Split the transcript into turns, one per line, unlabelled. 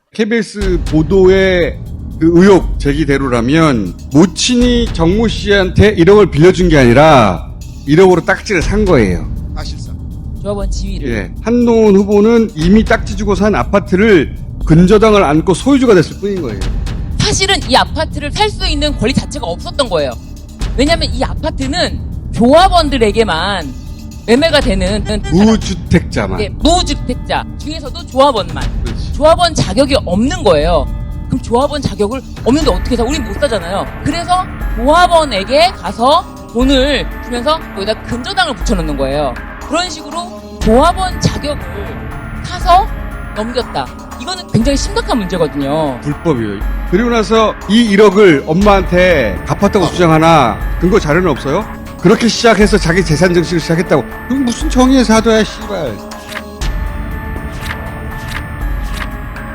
KBS 보도의 그 의혹 제기대로라면 모친이 정모 씨한테 1억을 빌려준 게 아니라 1억으로 딱지를 산 거예요.
사실상.
조합원 지위를.
예. 한동훈 후보는 이미 딱지 주고 산 아파트를 근저당을 안고 소유주가 됐을 뿐인 거예요.
사실은 이 아파트를 살 수 있는 권리 자체가 없었던 거예요. 왜냐하면 이 아파트는 조합원들에게만 매매가 되는
무주택자만.
예, 무주택자 중에서도 조합원만.
그렇지.
조합원 자격이 없는 거예요. 그럼 조합원 자격을 없는데 어떻게 사? 우린 못 사잖아요. 그래서 조합원에게 가서 돈을 주면서 여기다 근저당을 붙여놓는 거예요. 그런 식으로 조합원 자격을 사서 넘겼다. 이거는 굉장히 심각한 문제거든요.
불법이에요. 그리고 나서 이 1억을 엄마한테 갚았다고 주장하나 근거 자료는 없어요? 그렇게 시작해서 자기 재산 증식을 시작했다고. 그럼 무슨 정의의 사도야, 씨발.